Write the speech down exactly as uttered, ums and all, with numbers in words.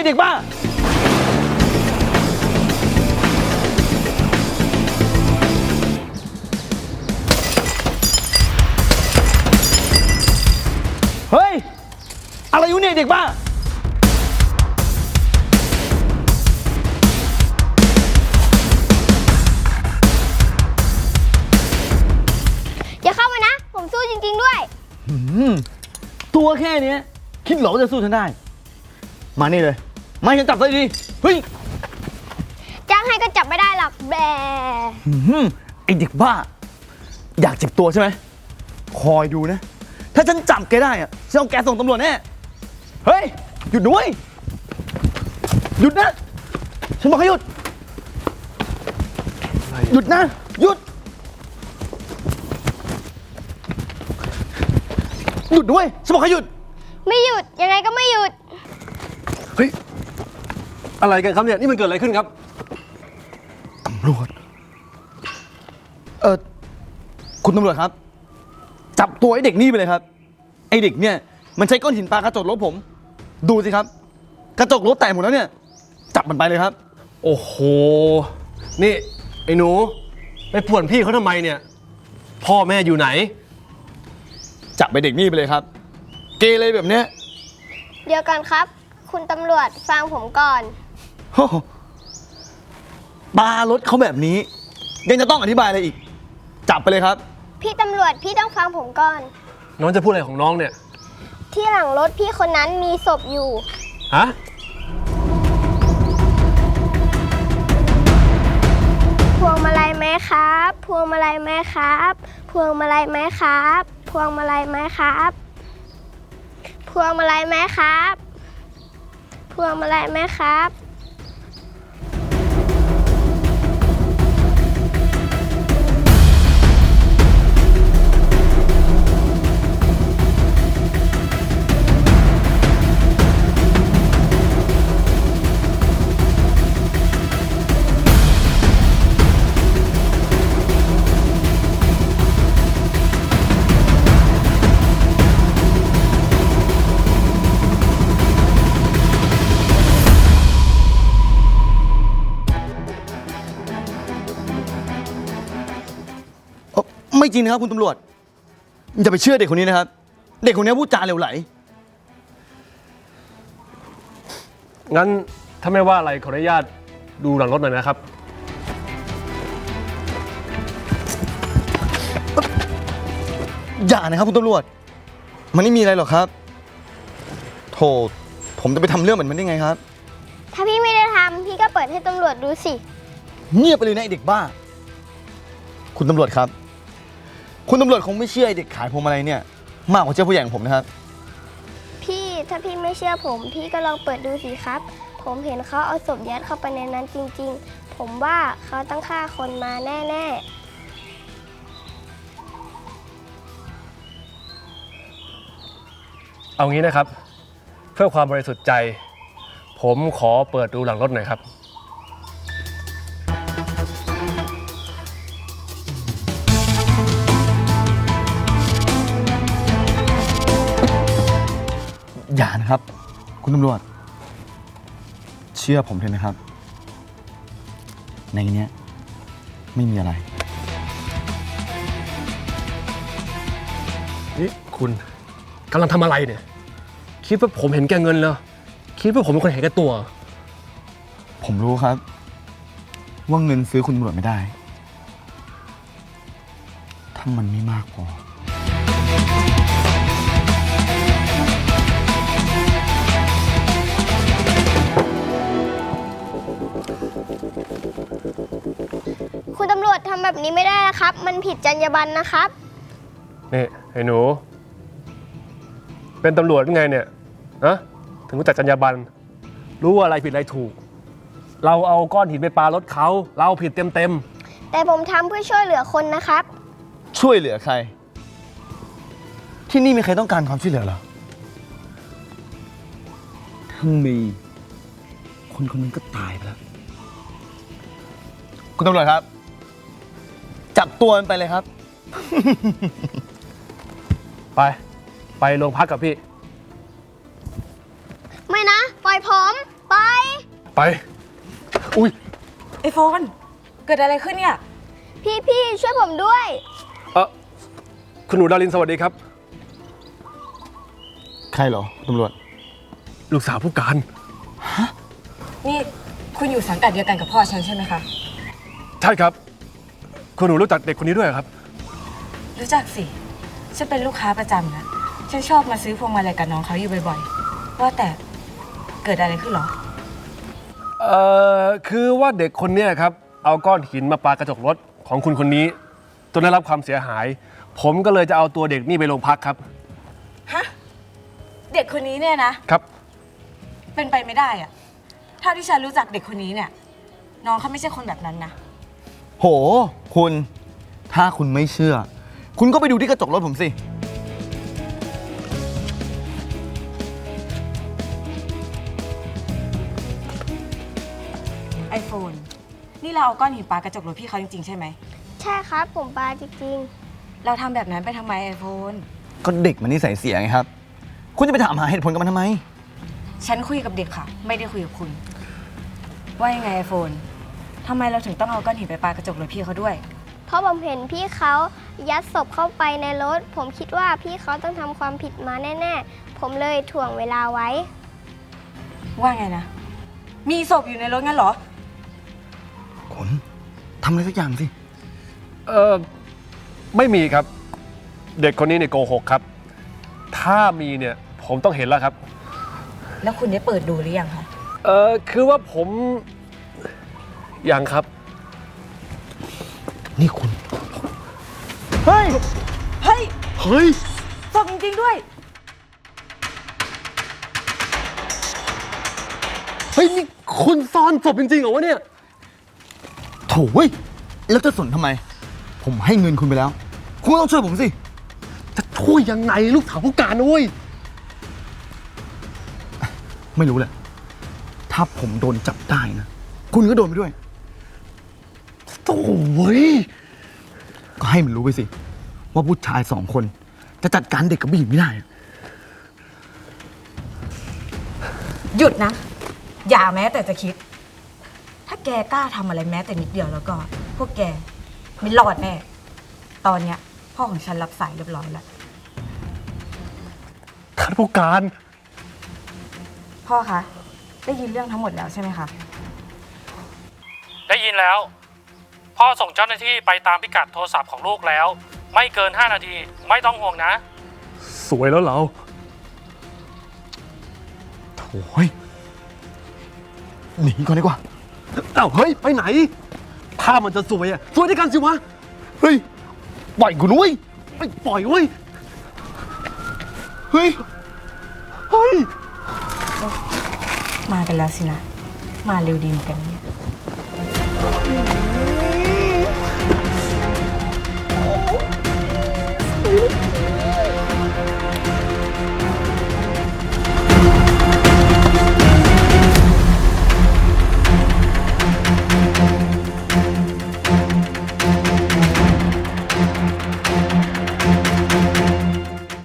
เด็กบ้าเฮ้ยอะไรอยู่เนี่ยเด็กบ้าอย่าเข้ามานะผมสู้จริงๆด้วยตัวแค่นี้คิดเหรอว่าจะสู้ฉันได้มานี่เลยมาฉันจับได้ดีเฮ้ยจ้างให้ก็จับไม่ได้หรอกแบไอเด็กบ้าอยากเจ็บตัวใช่ไหมคอยดูนะถ้าฉันจับแกได้อะฉันเอาแกส่งตำรวจแน่เฮ้ยหยุดด้วยหยุดนะฉันบอกให้หยุดหยุดนะหยุดหยุดด้วยฉันบอกให้หยุดไม่หยุดยังไงก็ไม่หยุดเฮ้ยอะไรกันครับเนี่ยนี่มันเกิดอะไรขึ้นครับตำรวจเออคุณตำรวจครับจับตัวไอ้เด็กนี่ไปเลยครับไอ้เด็กเนี่ยมันใช้ก้อนหินปากระจกรถผมดูสิครับกระจกรถแตกหมดแล้วเนี่ยจับมันไปเลยครับโอ้โหนี่ไอ้หนูไปป่วนพี่เขาทำไมเนี่ยพ่อแม่อยู่ไหนจับไปเด็กนี่ไปเลยครับเกเรแบบเนี้ยเดี๋ยวก่อนครับคุณตำรวจฟังผมก่อนปารถเขาแบบนี้ยังจะต้องอธิบายอะไรอีกจับไปเลยครับพี่ตำรวจพี่ต้องฟังผมก่อนน้องจะพูดอะไรของน้องเนี่ยที่หลังรถพี่คนนั้นมีศพอยู่ฮะพวงมาลัยไหมครับพวงมาลัยไหมครับพวงมาลัยไหมครับพวงมาลัยไหมครับพวงมาลัยไหมครับพวงมาลัยไหมครับไม่จริงนะครับคุณตำรวจอย่าไปเชื่อเด็กคนนี้นะครับเด็กคนนี้พูดจาเหลวไหลงั้นถ้าไม่ว่าอะไรขออนุญาตดูหลังรถหน่อยนะครับอย่านะครับคุณตำรวจมันไม่มีอะไรหรอกครับโธ่ผมจะไปทำเรื่องเหมือนมันได้ไงครับถ้าพี่ไม่ได้ทำพี่ก็เปิดให้ตำรวจดูสิเงียบไปเลยนะไอเด็กบ้าคุณตำรวจครับคุณตำรวจคงไม่เชื่อไอเด็กขายพวงมาลัยเนี่ยมากกว่าเชื่อผู้ใหญ่ของผมนะครับพี่ถ้าพี่ไม่เชื่อผมพี่ก็ลองเปิดดูสิครับผมเห็นเขาเอาศพยัดเข้าไปในนั้นจริงๆผมว่าเขาต้องฆ่าคนมาแน่ๆเอางี้นะครับเพื่อความบริสุทธิ์ใจผมขอเปิดดูหลังรถหน่อยครับอย่านะครับคุณตำรวจเชื่อผมเถอะนะครับในนี้ไม่มีอะไรนี่คุณกำลังทำอะไรเนี่ยคิดว่าผมเห็นแก่เงินเหรอคิดว่าผมเป็นคนเห็นแก่ตัวผมรู้ครับว่าเงินซื้อคุณตำรวจไม่ได้ถ้ามันไม่มากพอคุณตำรวจทำแบบนี้ไม่ได้นะครับมันผิดจรรยาบรรณนะครับนี่ไอ้หนูเป็นตำรวจเป็นไงเนี่ยนะถึงรู้จักจรรยาบรรณรู้ว่าอะไรผิดอะไรถูกเราเอาก้อนหินไปปารถเขาเราผิดเต็มเต็มแต่ผมทำเพื่อช่วยเหลือคนนะครับช่วยเหลือใครที่นี่มีใครต้องการความช่วยเหลือเหรอถ้ามีคนคนนึงก็ตายไปแล้วคุณตำรวจครับจับตัวมันไปเลยครับไปไปโรงพักกับพี่ไม่นะปล่อยผมปไปไป อุ้ยไอโฟน เกิดอะไรขึ้นเนี่ยพี่พี่ช่วยผมด้วยเออคุณหนูดารินสวัสดีครับใครเหรอตำรวจลูกสาวผู้การนี่คุณอยู่สังกัดเดียวกันกับพ่อฉันใช่ไหมคะใช่ครับ คุณหนูรู้จักเด็กคนนี้ด้วยเหรอครับรู้จักสิ ฉันเป็นลูกค้าประจำนะ ฉันชอบมาซื้อพวงมาลัยกับน้องเขาอยู่บ่อยๆ ว่าแต่เกิดอะไรขึ้นเหรอเอ่อ คือว่าเด็กคนเนี้ยครับ เอาก้อนหินมาปากระจกรถของคุณคนนี้จนได้รับความเสียหาย ผมก็เลยจะเอาตัวเด็กนี่ไปโรงพักครับฮะ เด็กคนนี้เนี่ยนะครับเป็นไปไม่ได้อะถ้าที่ฉันรู้จักเด็กคนนี้เนี่ย น้องเขาไม่ใช่คนแบบนั้นนะโห คุณ ถ้าคุณไม่เชื่อ คุณก็ไปดูที่กระจกรถผมสิไอโฟน นี่เราเอาก้อนหินปากระจกรถพี่เขาจริงๆใช่ไหมใช่ครับ ผมปาจริงเราทำแบบนั้นไปทำไมไอโฟนก็เด็กมันนิสัยเสียไงครับ คุณจะไปถามหาเหตุผลกับมันทำไมฉันคุยกับเด็กค่ะ ไม่ได้คุยกับคุณ ว่ายังไงไอโฟนทำไมเราถึงต้องเอาก้อนหินไปปากระจกรถพี่เขาด้วยๆ เพราะผมเห็นพี่เขายัดศพเข้าไปในรถ ผมคิดว่าพี่เขาต้องทำความผิดมาแน่ๆ ผมเลยถ่วงเวลาไว้ว่าไงนะ มีศพอยู่ในรถงั้นเหรอคุณทำอะไรสักอย่างสิเอ่อ ไม่มีครับ เด็กคนนี้เนี่ยโกหกครับ ถ้ามีเนี่ยผมต้องเห็นแล้วครับแล้วคุณได้เปิดดูหรือยังคะเอ่อ คือว่าผม ยังครับนี่คุณ เฮ้ยเฮ้ยเฮ้ยศพจริงๆด้วยเฮ้ย นี่คุณซ่อนศพจริงๆเหรอวะเนี่ยโถ่เว้ย แล้วจะสนทำไม ผมให้เงินคุณไปแล้ว คุณก็ต้องช่วยผมสิจะช่วยยังไงลูกสาวผู้การนะเว้ยไม่รู้แหละ ถ้าผมโดนจับได้นะ คุณก็โดนไปด้วยโอ้ยก็ให้มันรู้ไปสิ ว่าผู้ชายสองคน จะจัดการเด็กกับผู้หญิงไม่ได้หยุดนะ อย่าแม้แต่จะคิด ถ้าแกกล้าทำอะไรแม้แต่นิดเดียวแล้วก็ พวกแกไม่รอดแน่ ตอนเนี้ยพ่อของฉันรับสายเรียบร้อยแล้วท่านผู้การพ่อคะ ได้ยินเรื่องทั้งหมดแล้วใช่ไหมคะได้ยินแล้ว พ่อส่งเจ้าหน้าที่ไปตามพิกัดโทรศัพท์ของลูกแล้ว ไม่เกินห้านาทีไม่ต้องห่วงนะสวยแล้วเราโถ่ยหนีก่อนดีกว่าเอ้าเฮ้ย ไปไหน ถ้ามันจะสวยอะสวยด้วยกันสิวะเฮ้ย ปล่อยกูนุ้ยไม่ปล่อยเว้ยเฮ้ยเฮ้ยมากันแล้วสินะ มาเร็วดีเหมือนกันเนี่ยเ